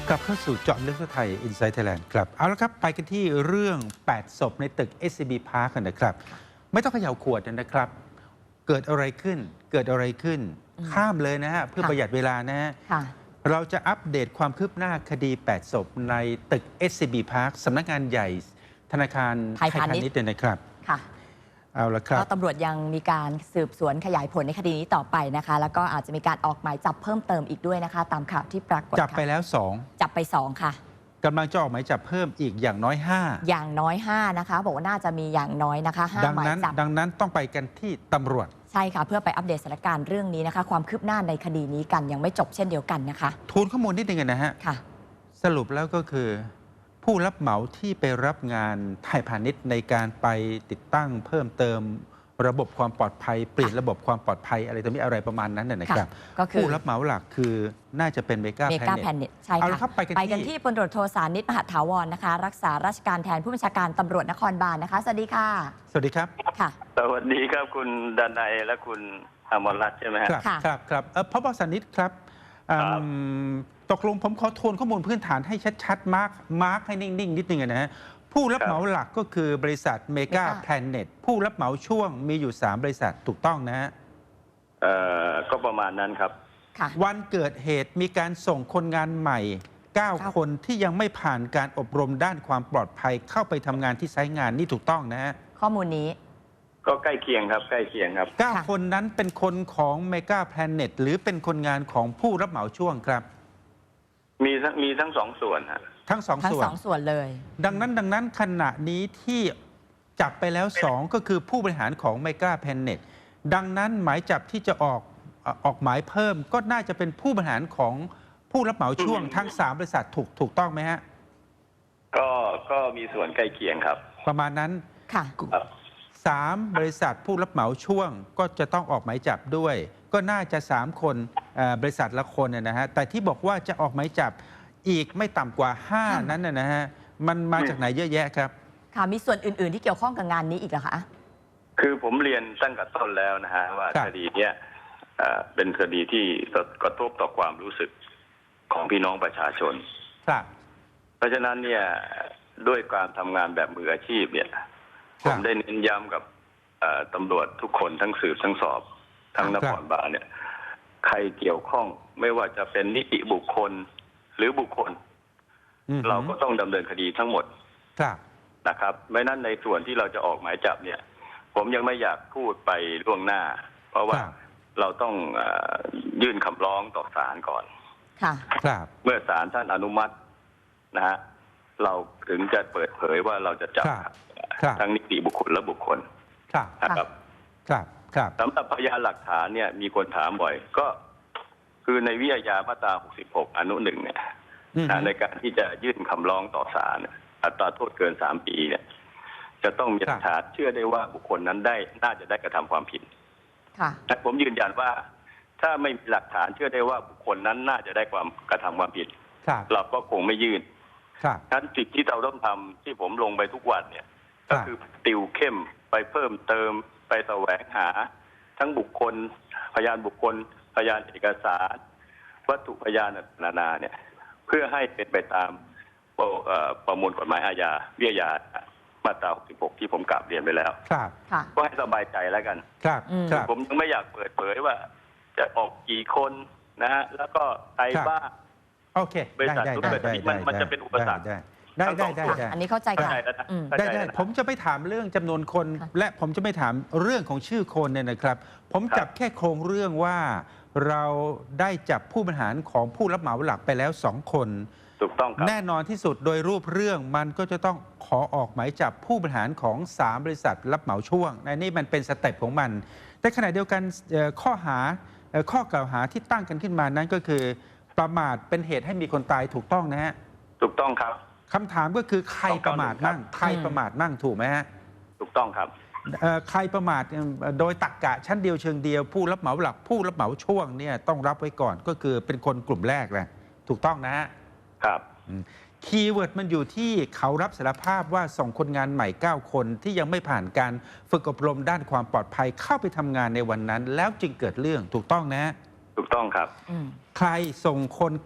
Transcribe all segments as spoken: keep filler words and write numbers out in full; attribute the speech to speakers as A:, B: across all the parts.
A: กลับเข้าสู่เจาะลึกทั่วไทย Inside Thailand ครับเอาละครับไปกันที่เรื่องแปดศพในตึก เอส ซี บี Park กันนะครับไม่ต้องเขย่าขวดนะครับเกิดอะไรขึ้นเกิดอะไรขึ้นข้ามเลยนะฮะเพื่อประหยัดเวลานะฮะเราจะอัปเดตความคืบหน้าคดีแปดศพในตึก เอส ซี บี Park สำนักงานใหญ่ธนาคารไทยพาณิชย์นะครับ
B: ค่ะ
A: เอาละครับ
B: ก็ตำรวจยังมีการสืบสวนขยายผลในคดีนี้ต่อไปนะคะแล้วก็อาจจะมีการออกหมายจับเพิ่มเติมอีกด้วยนะคะตามข่าวที่ปรากฏ
A: จับไปแล้วสอง
B: จับไปสองค่ะ
A: กำลังจะออกหมายจับเพิ่มอีกอย่างน้อยห้า
B: อย่างน้อยห้านะคะบอกว่าน่าจะมีอย่างน้อยนะคะห้าหมายจับ
A: ดังนั้นต้องไปกันที่ตำรวจ
B: ใช่ค่ะเพื่อไปอัปเดตสถานการณ์เรื่องนี้นะคะความคืบหน้าในคดีนี้กันยังไม่จบเช่นเดียวกันนะคะ
A: ทูลข้อมูลนิดนึงนะฮะ
B: ค่ะ
A: สรุปแล้วก็คือผู้รับเหมาที่ไปรับงานไทยพาณิชย์ในการไปติดตั้งเพิ่มเติมระบบความปลอดภัยเปลี่ยนระบบความปลอดภัยอะไรต่อมีอะไรประมาณนั้นนะครับผู้รับเหมาหลักคือน่าจะเป็นเมกา
B: แพนเน็ตใช่ค่ะไปกันที่พลตำรวจโทสานิตมหาถาวรนะคะรักษาราชการแทนผู้บัญชาการตำรวจนครบาลนะคะสวัสดีค่ะ
A: สวัสดีครับ
B: ค่ะ
C: สวัสดีครับคุณดนัยและคุณอมรรัตน์ใช่ไหมครับ
A: ครับครับพบสานิตครับตกลงผมขอทวนข้อมูลพื้นฐานให้ชัดๆมาร์กมาร์กให้นิ่งๆนิดนึงนะฮะผู้รับเหมาหลักก็คือบริษัทเมกาแพลนเน็ตผู้รับเหมาช่วงมีอยู่สามบริษัทถูกต้องนะฮะ
C: เอ่อก็ประมาณนั้นครับ
A: วันเกิดเหตุมีการส่งคนงานใหม่เก้าคนที่ยังไม่ผ่านการอบรมด้านความปลอดภัยเข้าไปทำงานที่ไซต์งานนี่ถูกต้องนะฮะ
B: ข้อมูลนี้
C: ก็ใกล้เคียงครับใกล้เคียงครับ
A: เก้าคนนั้นเป็นคนของเมกาแพลนเน็ตหรือเป็นคนงานของผู้รับเหมาช่วงครับ
C: มีทั้งมีทั้งสองส่วนฮะ
A: ทั้งสองส่วน
B: ทั้งสองส่วนเลย
A: ดังนั้นดังนั้นขณะนี้ที่จับไปแล้วสองก็คือผู้บริหารของเมกาแพนเน็ตดังนั้นหมายจับที่จะออกออกหมายเพิ่มก็น่าจะเป็นผู้บริหารของผู้รับเหมาช่วงทั้งสามบริษัทถูกถูกต้องไหมฮะ
C: ก็ก็มีส่วนใกล้เคียงครับ
A: ประมาณนั้น
B: ค่ะ
A: สามบริษัทผู้รับเหมาช่วงก็จะต้องออกหมายจับด้วยก็น่าจะสามคนบริษัทละคนนะฮะแต่ที่บอกว่าจะออกหมายจับอีกไม่ต่ำกว่าห้านั้นนะฮะมันมาจากไหนเยอะแยะครับ
B: ค่ะมีส่วนอื่นๆที่เกี่ยวข้องกับงานนี้อีกเหรอคะ
C: คือผมเรียนตั้งแต่ต้นแล้วนะฮะว่าคดีเนี้ยเป็นคดีที่กระทบต่อความรู้สึกของพี่น้องประชาชน
A: ครับ
C: เพราะฉะนั้นเนี่ยด้วยการทำงานแบบมืออาชีพเนี่ยผมได้เน้นย้ำกับตำรวจทุกคนทั้งสืบทั้งสอบทั้งนครบาลเนี่ยใครเกี่ยวข้องไม่ว่าจะเป็นนิติบุคคลหรือบุคคลเราก็ต้องดำเนินคดีทั้งหมดนะครับไม่นั้นในส่วนที่เราจะออกหมายจับเนี่ยผมยังไม่อยากพูดไปล่วงหน้าเพราะว่าเราต้องยื่นคำร้องต่อศาลก่อนเมื่อศาลท่านอนุมัตินะฮะเราถึงจะเปิดเผยว่าเราจะจับทั้งนิติบุคคลและบุคคล
A: นะครับ
C: สำหรับพยานหลักฐานเนี่ยมีคนถามบ่อยก็คือในวิทยามาตราหกสิบหกอนุหนึ่งเนี่ยในการที่จะยื่นคำร้องต่อศาลอัตราโทษเกินสามปีเนี่ยจะต้องมีหลักฐานเชื่อได้ว่าบุคคลนั้นได้น่าจะได้กระทำความผิดแต่ผมยืนยันว่าถ้าไม่มีหลักฐานเชื่อได้ว่าบุคคลนั้นน่าจะได้ความกระทำความผิดเราก็คงไม่ยื่นฉะนั้นสิ่งที่เราต้องทำที่ผมลงไปทุกวันเนี่ยก็คือติวเข้มไปเพิ่มเติมไปแสวงหาทั้งบุคคลพยานบุคคลพยานเอกสารวัตถุพยานนานาเนี่ยเพื่อให้เป็นไปตามประมวลกฎหมายอาญาวิทยามาตราหกสิบหกที่ผมกล่าวเรียนไปแล้วก็ให้สบายใจแล้วกันผมยังไม่อยากเปิดเผยว่าจะออกกี่คนนะฮะแล้วก็ใครบ้าง
A: โอเค
C: บริษัททุกบริษัทมันจะเป็นอุปสรรค
A: ได้ได้ได้
B: อันนี้เข้าใจค่ะ
A: ได้ได้ผมจะไม่ถามเรื่องจำนวนคนและผมจะไม่ถามเรื่องของชื่อคนเนี่ยนะครับผมจับแค่โครงเรื่องว่าเราได้จับผู้บริหารของผู้รับเหมาหลักไปแล้วสองคน
C: ถูกต้องครับ
A: แน่นอนที่สุดโดยรูปเรื่องมันก็จะต้องขอออกหมายจับผู้บริหารของสามบริษัทรับเหมาช่วงในนี้มันเป็นสเต็ปของมันแต่ขณะเดียวกันข้อหาข้อกล่าวหาที่ตั้งกันขึ้นมานั้นก็คือประมาทเป็นเหตุให้มีคนตายถูกต้องนะฮะ
C: ถูกต้องครับ
A: คำถามก็คือใครประมาทมั่งใครประมาทมั่งถูกไหมฮะ
C: ถูกต้องครับ
A: ใครประมาทโดยตรรกะชั้นเดียวเชิงเดียวผู้รับเหมาหลักผู้รับเหมาช่วงเนี่ยต้องรับไว้ก่อนก็คือเป็นคนกลุ่มแรกแหละถูกต้องนะฮะ
C: ครับ
A: คีย์เวิร์ดมันอยู่ที่เขารับสารภาพว่าส่งคนงานใหม่เก้าคนที่ยังไม่ผ่านการฝึกอบรมด้านความปลอดภัยเข้าไปทำงานในวันนั้นแล้วจึงเกิดเรื่องถูกต้องนะ
C: ถูกต้องครับ
A: ใครส่งคน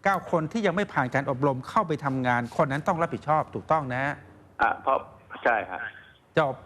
A: เก้าคนที่ยังไม่ผ่านการอบรมเข้าไปทำงาน คนนั้นต้องรับผิดชอบถูกต้องนะ
C: อ่ะเพราะใช่ฮะ
A: จบ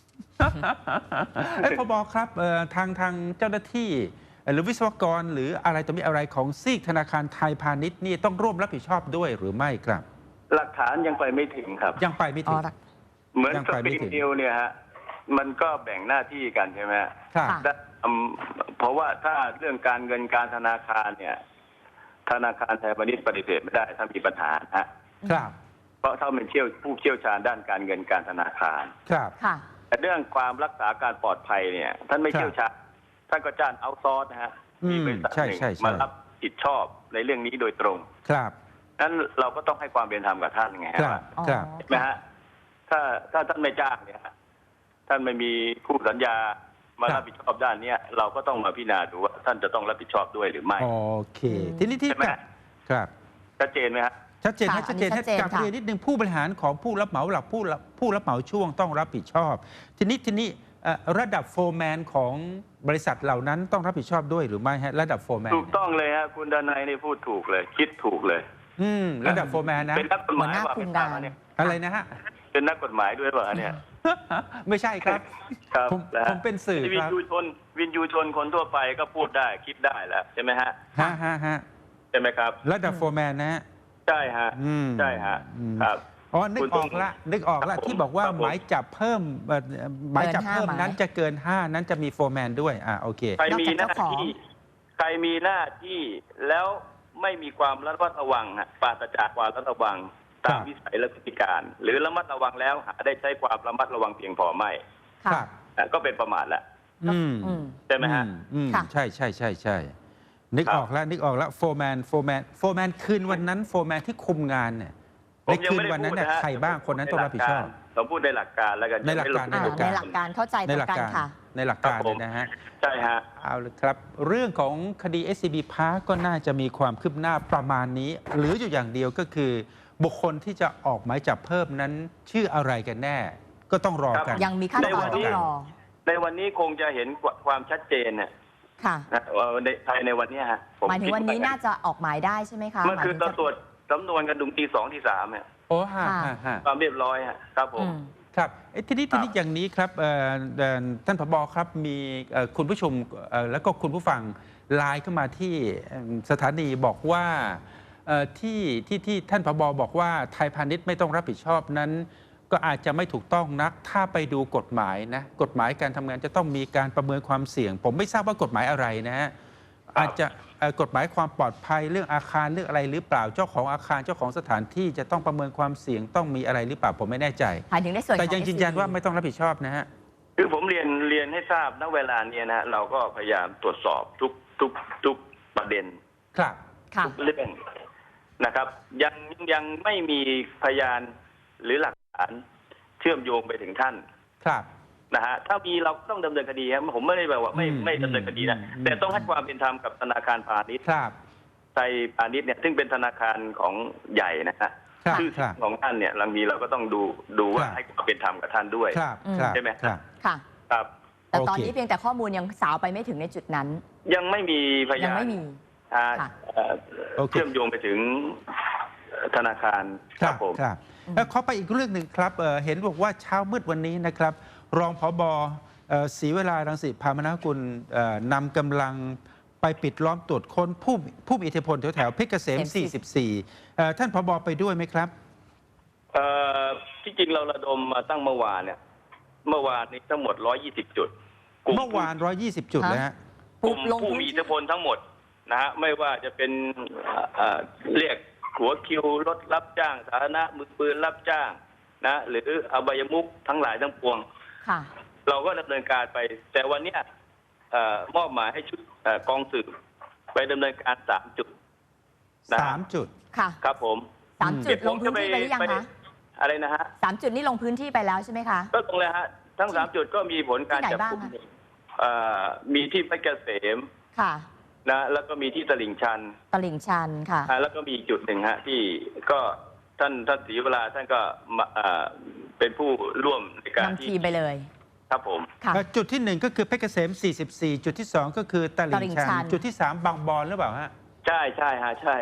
A: เอ้ยพบครับเอ่อทางทางเจ้าหน้าที่หรือวิศวกรหรืออะไรต่อมีอะไรของซีกธนาคารไทยพาณิชย์นี่ต้องร่วมรับผิดชอบด้วยหรือไม่ครับ
C: หลักฐานยังไปไม่ถึงครับ
A: ยังไปไม่ถึง
C: เหมือน
A: ยัง
C: ส
A: ไป
C: ป
A: ไม่
C: ริง
A: ถึง
C: นิวเนี่ยฮะมันก็แบ่งหน้าที่กันใช่ไหมฮะ
A: ครับ
B: ค่ะ
C: ได้อืมเพราะว่าถ้าเรื่องการเงินการธนาคารเนี่ยธนาคารไทยพาณิชย์ปฏิเสธไม่ได้ถ้ามีปัญหาฮะ
A: ครับ
C: เพราะถ้าเป็นเชี่ยวผู้เชี่ยวชาญด้านการเงินการธนาคาร
A: ครับ
B: ค่ะ
C: แต่เรื่องความรักษาการปลอดภัยเนี่ยท่านไม่
A: ครับ
C: เชี่ยวชาญท่านก็จ้างเอาซอร์สนะฮะ
A: อืม
C: มีบริษัท
A: ใช่
C: หนึ่ง
A: ใช่ใช่
C: มารับผิดชอบในเรื่องนี้โดยตรง
A: ครับ
C: นั้นเราก็ต้องให้ความเป็นธรรมกับท่านไง
A: ค
C: ฮะ
A: รับ
C: ว่า
B: อ๋อ
A: ครับ
C: ใช่ไหมฮะถ้าถ้าท่านไม่จ้างเนี่ยฮะท่านไม่มีคู่สัญญามา
A: ครับ
C: รับผิดชอบด้านเนี้ยเราก็ต้องมาพิจารณาดูว่าท่านจะต้องรับผิดชอบด้วยหรือไม่
A: โอเค
B: อืม
A: ทีนี้ที่
C: ใช่ไหม
A: กับครับ
C: ชัดเจนไหมฮะ
A: ชัดเจน
B: ค่ะ
A: นะชัดเจน
B: อันนี้ชัดเจน
A: กับ
B: ค่ะ
A: เรียนนิดนึงผู้บริหารของผู้รับเหมาหลักผู้รับผู้รับเหมาช่วงต้องรับผิดชอบ ทีนี้ทีนี้เอ่อระดับโฟร์แมนของบริษัทเหล่านั้นต้องรับผิดชอบด้วยหรือไม่ฮะระดับโฟร์แมน
C: ถูกต้องเลยฮะคุณดนัยนี่พูดถูกเลย คิดถูกเลย
A: อืมระดับโฟร์แมนนะ
C: เป็นนักกฎหมาย
B: หัวหน้า
C: ว่า
B: คุ
C: เป็
B: ม
C: นทราบ
B: งาน
C: ไหมเนี่ย
A: อะไรนะฮะ
C: เป็นนักกฎหมายด้วยเปล่าเนี่ย
A: ไม่ใช่ครับ
C: ครับ
A: ผม
C: นะฮะ
A: ผมเป็นสื่อ
C: วิ
A: คน รับ
C: ยูชนวินยูชนคนทั่วไปก็พูดได้คิดได้แหละใช่ไหมฮะ
A: ฮะฮะฮะ
C: ใช่ไหมครับ
A: ระดับโฟร์แมนนะฮะ
C: ใช่ฮะ
A: อืม
C: ใช่ฮะ
A: อืม
C: ครับ
A: อ๋อนึก
C: คุณ
A: อ
C: ต้
A: อ
C: อง
A: กละนึกออกละ
C: ครับผม
A: ที่บอกว่า
C: ครับผม
A: หมายจับเพิ่มเอ่อหมายจับเพิ่ม
B: เกินห้า
A: นั้น
B: หมาย
A: จะเกินห้านั้นจะมีโฟร์แมนด้วยอ่าโอเค
C: ใครมีห
B: นอก
C: น้า
B: จากเจ้าของ
C: ที่ใครมีหน้าที่แล้วไม่มีความระมัดระวังฮะปราศจากความระมัดระวังตาม
A: ครับ
C: วิสัยและพฤติการ หรือระมัดระวังแล้วหาได้ใช้ความระมัดระวังเพียงพอไม่
A: ครั
B: ค่ะ
A: บ
C: อ่ะก็เป็นประมาทละ
A: อืม
B: อืม
C: ใช่ไหมฮะ
A: อือืม
B: ค่ะ
A: ใช่ใช่ใช่ใช่นึก
C: ครับ
A: ออกแล้วนึกออกแล้วโฟร์แมนโฟร์แมนโฟร์แมนคืนวันนั้นโฟร์แมนที่คุมงานเนี่ย
C: ผ
A: ใน
C: มยัง
A: คืน
C: ไม่ได้
A: วันนั้น
C: พูด
A: เนี่ย
C: นะฮะ
A: ใครบ้างคนนั้นต้องรับผิดชอบ
C: ผมพูดในหลักการแล้วกัน
A: ในหลักการ
C: จะไม่
B: อ่า
C: ลง
B: ในหลักการเข้าใจต
A: ใน
B: รง
A: หลัก
B: กัน
A: การ
B: ค่ะ
A: ในหลักการเลยนะฮะ
C: ใช่ฮะ
A: เอาเลยครับ เรื่องของคดี เอส ซี บี Park ก็น่าจะมีความคืบหน้าประมาณนี้ หรืออยู่อย่างเดียวก็คือ บุคคลที่จะออกหมายจับเพิ่มนั้นชื่ออะไรกันแน่ ก็ต้องรอกัน
B: ยังมีขั้นตอนต้องรอ
C: ในวันนี้คงจะเห็นความชัดเจนเนี่ย
B: ค่ะ
C: นะว่าในภายในวันเนี้ยฮะผ
B: หมายถึงวันนี้
C: คิด
B: น่าจะออกหมายได้ใช่ไหมคะ
C: เมื่อคืน
B: ห
C: เรา
B: มายถึง
C: ตรวจสำนวนกันดุงตีสองที่สามเนี่ย
A: โอ้ฮะ
B: ค่ะ
A: ฮะฮะ
C: ความเรียบร้อยฮะครับผ
B: อื
C: ม
B: ม
A: ครับเอ้ยทีนี้
C: ครั
A: ที
C: บ
A: นี้อย่างนี้ครับเอ่อเอ่อท่านผบครับมีเอ่อคุณผู้ชมเอ่อแล้วก็คุณผู้ฟังไลน์เข้ามาที่เอิ่มสถานีบอกว่าเอ่อที่ที่ที่ท่านผบบอกว่าไทยพาณิชย์ไม่ต้องรับผิดชอบนั้น ก็อาจจะไม่ถูกต้องนักถ้าไปดูกฎหมายนะกฎหมายการทำงานจะต้องมีการประเมินความเสี่ยง ผมไม่ทราบว่ากฎหมายอะไรนะฮะอาจจะเอ่อกฎหมายความปลอดภัยเรื่องอาคารเรื่องอะไรหรือเปล่าเจ้าของอาคารเจ้าของสถานที่จะต้องประเมินความเสี่ยงต้องมีอะไรหรือเปล่าผมไม่แน่ใจ
B: หมายถึงในส่วนของ
A: แต่ยังยืนยัน
B: เอส ซี บี
A: ว่าไม่ต้องรับผิดชอบนะฮะ
C: คือผมเรียนเรียนให้ทราบณเวลาเนี้ยนะฮะเราก็พยายามตรวจสอบทุกทุกทุกประเด็น
A: ครับ
B: ค่ะ
C: ทุกเรื่องนะครับ ยังยังไม่มีพยานหรือหลักฐานเชื่อมโยงไปถึงท่าน
A: ครับ
C: นะฮะถ้ามีเราต้องดำเนินคดีครับผมไม่ได้แบบว่าไม่
A: อืม
C: ไม่ดำเนินคดีนะ
A: อืม
C: แต่ต้องให้ความเป็นธรรมกับธนาคารพาณิชย์
A: ครับ
C: ไทยพาณิชย์เนี่ยซึ่งเป็นธนาคารของใหญ่นะฮะ
A: ครับ
C: ชื่อ
A: ครับ
C: ของท่านเนี่ยบางทีเราก็ต้องดูดูว่า
A: ครับ
C: ให้ความเป็นธรรมกับท่านด้วย
A: ครับ
B: อืม
A: ครับ
C: ใช่ไหม
A: ครับ
B: ค่ะ
C: ครับ
B: แต่ตอน
A: โอเค
B: นี้เพียงแต่ข้อมูลยังสาวไปไม่ถึงในจุดนั้น
C: ยังไม่มีพ
B: ยั
C: ยาง น
B: ไม่มี
C: อ่า
B: ค่ะ
C: เอ่อ
A: โอเค
C: เชื่อมโยงไปถึงธนาคาร
A: ครับ
C: ผม
A: ครับ
B: อืม
A: แล้วขอไปอีกเรื่องหนึ่งครับเอ่อเห็นบอกว่าเช้ามืดวันนี้นะครับ รองผบเอ่อศรีเวลารังสิพามนากุลเอ่อนำกำลังไปปิดล้อมตรวจค้นผู้ผู้มีอิทธิพลแถวแถวๆเพชรเกษม สี่สิบสี่เอ่อท่านผบไปด้วยไหมครับ
C: เอ่อที่จริงเราระดมมาตั้งเมื่อวานเนี่ย เมื่อวานนี้ทั้งหมดหนึ่งร้อยยี่สิบจุดกลุ่
A: เมื่อวาน หนึ่งร้อยยี่สิบ จุดเลยฮะ
C: กลุ่ม
B: ลง
C: ผู้
B: พื้น
C: มี
B: ที่
C: อิทธิพลทั้งหมดนะฮะไม่ว่าจะเป็นเอ่อเรียกหัวคิวรถรับจ้างสาธารณะมือปืนรับจ้างนะหรืออบายมุขทั้งหลายทั้งปวง
B: ค่ะ
C: เราก็ดำเนินการไป แต่วันเนี้ยเอ่อมอบหมายให้ชุดเอ่อกองสืบไปดำเนินการสามจุดนะ
A: สามจุด
B: ค่ะ
C: ครับผม
B: สาม
A: อืม
B: จุดลงพื้นที่ไปหรือยัง
C: ไป
B: คะ
C: อะไรนะฮะ
B: สามจุดนี้ลงพื้นที่ไปแล้วใช่ไหมคะ
C: ก็ตรงเลยฮะทั้งสามจุดก็มีผลการจับกุม
B: ที่ไหนบ้าง
C: เอ่อมีที่เพชรเกษม
B: ค่ะ
C: นะแล้วก็มีที่ตลิ่งชัน
B: ตลิ่งชันค่ะ
C: อ่าแล้วก็มีอีกจุดหนึ่งฮะที่ก็ท่านท่านศรีเวลาท่านก็มาเอ่อเป็นผู้ร่วมในการ
B: นำ
C: ที่
B: ทีมไปเลย
C: ครับผม
B: ค่ะ
A: เอ่อจุดที่หนึ่งก็คือเพชรเกษม สี่สิบสี่ จุดที่สองก็คือต
B: ตลิ่
A: ลิ่ง
B: ง
A: ชัน
B: ชัน
A: จุดที่สามบางบอนหรือเปล่าฮะ
C: ใช่ใช่ฮะใช่ฮะ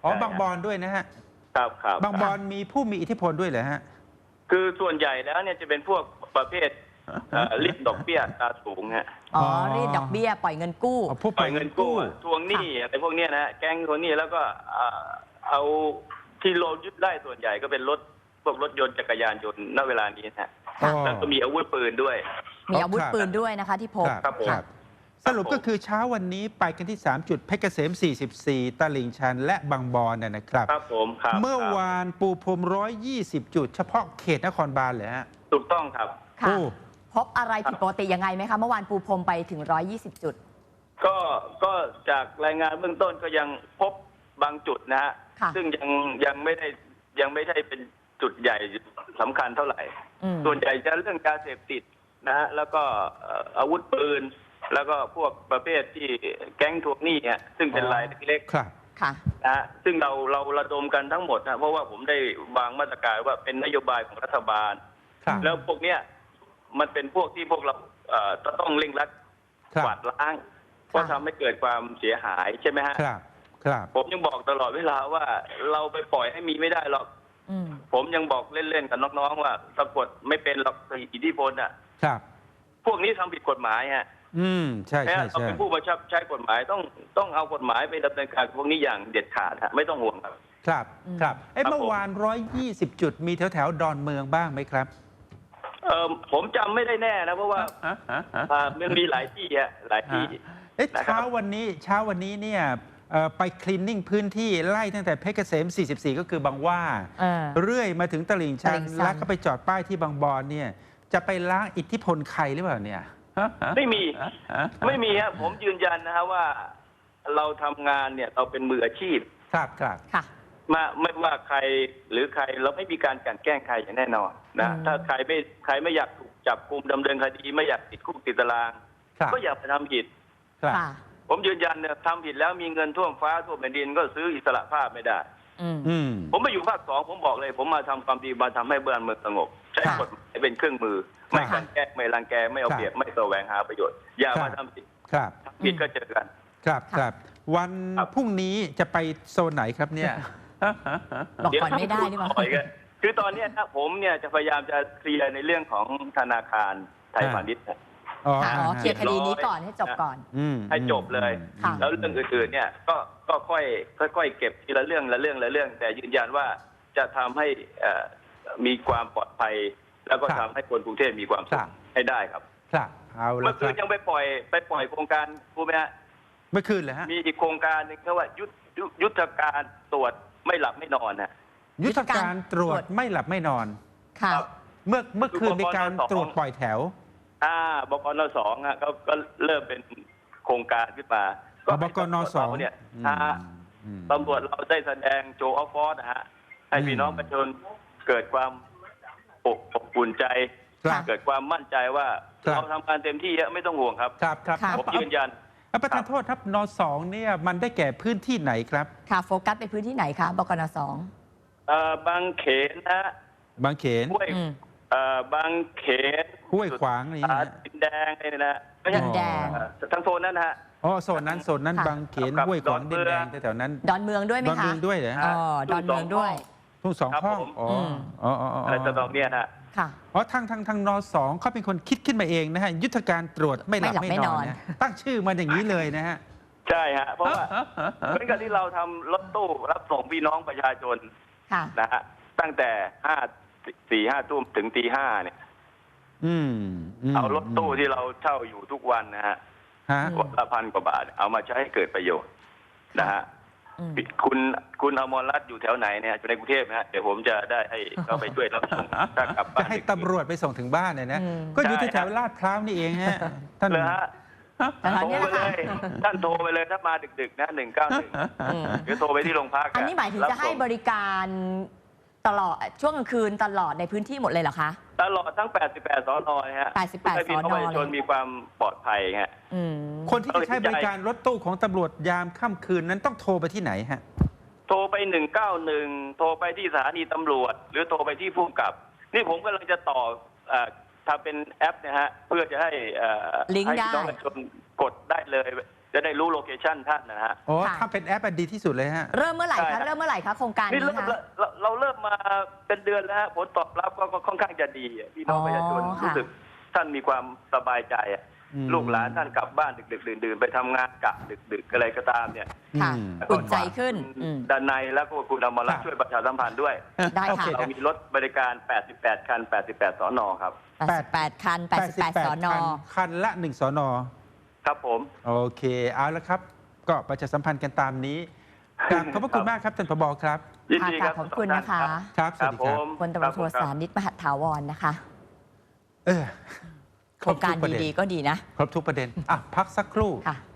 A: อ๋อ
C: ใช่
A: บางบอนด้วยนะฮะ
C: ครับครับ
A: บางบอนมีผู้มีอิทธิพลด้วยเหรอฮะ
C: คือส่วนใหญ่แล้วเนี่ยจะเป็นพวกประเภทเอ่อรีดดอกเบี้ยอัตราสูงฮะ
B: อ๋อ
A: อ๋อ
B: รีดดอกเบี้ยปล่อยเงินกู้
A: อ๋อผู้
C: ปล่อยเงินกู้อะทวงหนี้อะไรพวกเนี้ยนะฮะแก๊งทวงหนี้แล้วก็เอ่อเอาที่โลนยึดได้ส่วนใหญ่ก็เป็นรถพวกรถยนต์จักรยานยนต์ณเวลานี้นะฮะ
A: อ๋อ
C: แล้วก็มีอาวุธปืนด้วย
B: มีอาวุธปืนด้วยนะคะที่พบ
C: ครับผม
A: ครับสรุปก็คือเช้าวันนี้ไปกันที่ สาม จุดเพชรเกษม สี่สิบสี่ ตลิ่งชัน และบางบอนนะนะครับ
C: ครับผมครับ
A: เมื่อ
C: ครับ
A: วานปูพรม หนึ่งร้อยยี่สิบ จุด เฉพาะเขตนครบาลเลยฮะ
C: ถูกต้องครับ
B: ค่ะ
A: โอ้
B: พบอะไรผิดปกติยังไงไหมคะ เมื่อวานปูพรมไปถึงหนึ่งร้อยยี่สิบจุด
C: ก็ก็จากรายงานเบื้องต้นก็ยังพบบางจุดนะฮะ
B: ค่ะ
C: ซึ่งยังยังไม่ได้ยังไม่ได้เป็นจุดใหญ่สำคัญเท่าไหร่
B: อืม
C: ส่วนใหญ่จะเรื่องยาเสพติดนะฮะแล้วก็เอ่ออาวุธปืน แล้วก็พวกประเภทที่แก๊งทวงหนี้ฮะซึ่งเป็นรายเล็ก
A: ครับ
B: ค่ะ
C: ๆนะฮะซึ่งเราเราระดมกันทั้งหมดนะเพราะว่าผมได้วางมาตรการว่าเป็นนโยบายของรัฐบาล
A: ครับ
C: แล้วพวกเนี้ยมันเป็นพวกที่พวกเราเอ่อต้องเร่งรัด
A: ครับ
C: กวาดล้างเพราะทำให้เกิดความเสียหายใช่ไหมฮะ
A: ครับ ครับ
C: ผมยังบอกตลอดเวลาว่าเราไปปล่อยให้มีไม่ได้หรอก
B: อืม
C: ผมยังบอกเล่นๆกับน้องๆว่าสะกดไม่เป็นหรอกอิทธิพลอ่ะ
A: ครับ
C: พวกนี้ทำผิดกฎหมายฮะ
A: อืม ใช่
C: แม้
A: ใช่
C: เรา
A: ใช่
C: เป็นผู้บังคับใช้กฎหมายต้องต้องเอากฎหมายไปดำเนินการกับพวกนี้อย่างเด็ดขาดฮะไม่ต้องห่วงครับ
A: ครับ
B: อืม
A: ครับเอ้ย
C: ครับ
A: เมื่อวาน หนึ่งร้อยยี่สิบ จุด มีแถวแถวๆดอนเมืองบ้างไหมครับ
C: เออผมจำไม่ได้แน่นะเพราะว่าอ่ามันมีหลายที่ฮะหลายที่
A: เอ๊ะ
C: นะครับ
A: เช้าวันนี้เช้าวันนี้เนี่ยเอ่อไปคลีนนิ่งพื้นที่ไล่ตั้งแต่เพชรเกษม สี่สิบสี่ ก็คือบางหว่า
B: เออ
A: เรื่อยมาถึงตลิ่งชัน
B: ตลิ่งชัน
A: แล้วก็ไปจอดป้ายที่บางบอนเนี่ย จะไปล้างอิทธิพลใครหรือเปล่าเนี่ย
C: ไม่มีไม่มีฮะผมยืนยันนะฮะว่าเราทำงานเนี่ยเราเป็นมืออาชีพ
A: ครับครับ
B: ค่ะ
C: มาไม่ว่าใครหรือใครเราไม่มีการกลั่นแกล้งใครอย่างแน่นอนนะ
B: อืม
C: ถ้าใครไม่ใครไม่อยากถูกจับกุมดำเนินคดีไม่อยากติดคุกติดตาราง
A: ครับ
C: ก็อย่าไปทำผิด
A: ครับ
B: ค่ะ
C: ผมยืนยันเนี่ยทำผิดแล้วมีเงินท่วมฟ้าท่วมแผ่นดินก็ซื้ออิสระภาพไม่ได้
B: อืม
A: อืม
C: ผมมาอยู่ภาคสองผมบอกเลย ผมมาทำความดีมาทำให้บ้านเมืองสงบ ใช้
B: ค่ะ
C: กฎหมายเป็นเครื่องมือ ไม่
A: ค่ะ
C: กลั่นแกล้งไม่รังแกไม่เอา
A: ค่ะ
C: เปรียบไม่แสวงหาประโยชน์อย่า
A: ค่ะ
C: มาทำผิด
A: ครับ
C: ทำผิดก็เจอกัน
A: ครับ
B: ค่ะ
A: ครับ วัน
C: ครับ
A: พรุ่งนี้จะไปโซนไหนครับเนี่ย
B: บอกก่อนไม่ได้หรือเปล่า
C: ปล่อยกันคือตอนเนี้ยนะผมเนี่ยจะพยายามจะเคลียร์ในเรื่องของธนาคารไทยพาณิชย์นะ
A: อ๋อ
B: ค่ะอ๋อ
A: ฮะ
B: เคลียร์คดีนี้ก่อนให้จบก่อน
A: อืม
C: ให้จบเลย
B: ค่ะ
C: แล้วเรื่องอื่นๆเนี่ยก็ก็ค่อยค่อยๆเก็บทีละเรื่องละเรื่องละเรื่อง แต่ยืนยันว่าจะทำให้เอ่อมีความปลอดภัย แล้วก็
A: ครั
C: ทำ
A: บ
C: ให้คนกรุงเทพมีความสุ
A: ครั
C: ข
A: บ
C: ให้ได้ครับ
A: ครับ เอา
C: เมื่
A: ละ
C: อ
A: ค
C: คื
A: รั
C: น
A: บ
C: ยังไปปล่อยไปปล่อยโครงการรู้ไหมฮะ
A: เมื่อคืนเลยฮะ
C: มีอีกโครงการหนึงเขาว่ายุทธยุทธยุทธการตรวจไม่หลับไม่นอนนะ
A: ยุทธการตรวจไม่หลับไม่นอน
B: ค่ะ
C: ครับ
A: เมื่อเมื่อคืนมีการ
C: คือปปนสอง
A: ตรวจปล่อยแถว
C: อ่าบกนสองอ่ะก็ก็เริ่มเป็นโครงการขึ้นมา
A: อ๋อบกนสอง
C: ให้ตำรวจเราเนี่ย
A: อืม
C: อ่า
A: อืม
C: ตำรวจเราได้แสดงโจออฟฟอร์นะฮะให้พี่น้องประชาชนเกิดความอบอบอุ่นใจ
A: ครับ
C: เกิดความมั่นใจว่า
A: ครับ
C: เราทำงานเต็มที่อะไม่ต้องห่วงครับ
A: ครับครับ
B: ค่ะ
C: ผมยืนยัน
A: อ่ะประธานโทษครับนสองเนี่ยมันได้แก่พื้นที่ไหนครับ
B: ค่ะ โฟกัสไปพื้นที่ไหนคะ บกนสอง
C: เอ่อบางเขนนะฮะ
A: บางเขน
C: ห้วย
B: อืม
C: เอ่อบางเขน
A: ห้วยขวางนี่
C: อ่า
A: นะ
C: ดินแดงนี่นะไม่ใช่
B: ดินแดง
C: เอ่อทั้งโซนนั้นนะฮะ
A: อ๋อโซนนั้นโซนนั้น
B: ค่ะ
A: บางเขน
C: ครับ
A: ห้วยขวาง
C: ดอน
A: ดิ
C: เมื
A: น
C: อง
A: แดงแถวๆนั้น
B: ดอนเมืองด้วยไหม
A: ดอน
B: คะ
A: เมืองด้วยเหรอ
B: อ๋
A: ฮะ
B: อ ดอนเมืองด้วย
A: ทุ่งสอง
C: ครับ
A: ห้อง
C: ผม
A: อ๋อ
B: ม
A: อ๋ออ๋ออ๋อ
C: อะไรต่างๆเนี่ยนะ
B: ค่ะ
A: อ๋อทางทางทางนสองเขาเป็นคนคิดขึ้นมาเองนะฮะยุทธการตรวจไม่หลับ
B: ไม่
A: ไม่
B: หลับไม่
A: น
B: น
A: อ
B: อน น
A: นะตั้งชื่อมันอย่างนี้เลยนะฮะ
C: ใช่ฮะ เพราะว่าเหมือนกับที่เราทำรถตู้รับส่งพี่น้องประชาชน
B: ค่ะ
C: นะฮะตั้งแต่ห้าสี่ห้าทุ่มถึงตีห้าเนี่ย
A: อืมม
C: เอารถตู้ที่เราเช่าอยู่ทุกวันนะฮะ
A: ฮะ
B: อืม
C: วันละพันกว่าบาท เอามาใช้ให้เกิดประโยชน์นะฮะ
B: อืม
C: คุณคุณอมรรัตน์อยู่แถวไหนเนี่ยอยู่ในกรุงเทพนะฮะเดี๋ยวผมจะได้ให้เข้าไปช่วยรับส่งถ้ากลับบ้า
A: จะ
C: น
A: ให้ตำรวจไปส่งถึงบ้านเนี่ยนะ
B: อืม
A: ก็อยู่ที่
C: ได้
A: แถวลาดพร้าวนี่เองฮะท่าน
C: เลยฮะ
B: แต่ตอน
C: โทร
B: นี้
C: ไป
B: แหละ
C: เล
B: ค่ะ
C: ยท่านโทรไปเลยถ้ามาดึกๆนะหนึ่งเก้าหนึ่ง
B: อืม
C: หรือโทรไปที่โรงพัก
B: อันนี้หมายถึงจะให้บ
C: รับส่
B: ริการตลอดช่วงกลางคืนตลอดในพื้นที่หมดเลยเหรอคะ
C: ตลอดทั้ง แปดสิบแปด สอนอนะฮะ
B: แปดสิบแปด
C: ให้พี่น้อง
B: ส
C: ป
B: อนอ
C: ระชาชนมีความปลอดภัยฮะ
B: อืม
A: คนที่จะใช้บริการรถตู้ของตำรวจยามค่ำคืนนั้นต้องโทรไปที่ไหนฮะ
C: โทรไปหนึ่งเก้าหนึ่งโทรไปที่สถานีตำรวจ หรือโทรไปที่ผู้กำกับ นี่ผมกำลังจะต่อเอ่อทำเป็นแอปนะฮะเพื่อจะให้เอ่อ
B: ลิงก์
C: ให้
B: ได้
C: พี่น้องประชาชนกดได้เลยจะได้รู้โลเคชันท่านนะฮะ
A: โอ้
B: ค่ะ
A: ถ้าเป็นแอปอะดีที่สุดเลยฮะ
B: เริ่มเมื่อไหร่
C: ใช่ครั
B: คะ
C: บ
B: เริ่มเมื่อไหร่คะโครงการ
C: นี่
B: นี้
C: เริ่ม
B: คะ
C: เราเราเริ่มมาเป็นเดือนแล้วฮะผลตอบรับก็ก็ค่อนข้างจะดีอะพี่น้อง
B: อ๋อ
C: ประชาชน
B: ค่ะ
C: รู้สึกท่านมีความสบายใจอะ
A: อืม
C: ลูกหลานท่านกลับบ้านดึกๆดื่นๆไปทำงานกะดึกๆอะไรก็ตามเนี่ย
B: ค่ะ
A: อืม
B: อุ่นใจขึ้นอืม
C: ด้านในแล้วก็คุณอมรรัตน์
A: ค่ะ
C: ช่วยประชาสัมพันธ์ด้วย
B: ได้
A: โอ
B: ค่ะ
A: เค
C: เรามีรถบริการ แปดสิบแปด คัน แปดสิบแปด สนครับ
B: แปดสิบแปดคันแปดสิบแปดสอนอ
A: คันคันละหนึ่งสอนอ
C: ครับผม
A: โอเคเอาละครับ ก็ประชาสัมพันธ์กันตามนี้ครับขอบพระคุณมากครับท่านผบครับ
C: ยินดีครับ
B: ค่ะขอบคุณนะคะ
A: ครับสวัสดีครับ
C: ผม
B: พลตำรวจโท
C: คบ
B: สานิตมหัตถาวรนะคะ
A: เออ
B: โครงการ
A: บทุประเน
B: ดีๆก็ดีนะ
A: ครบทุกประเด็นอ่ะพักสักครู่
B: ค่ะ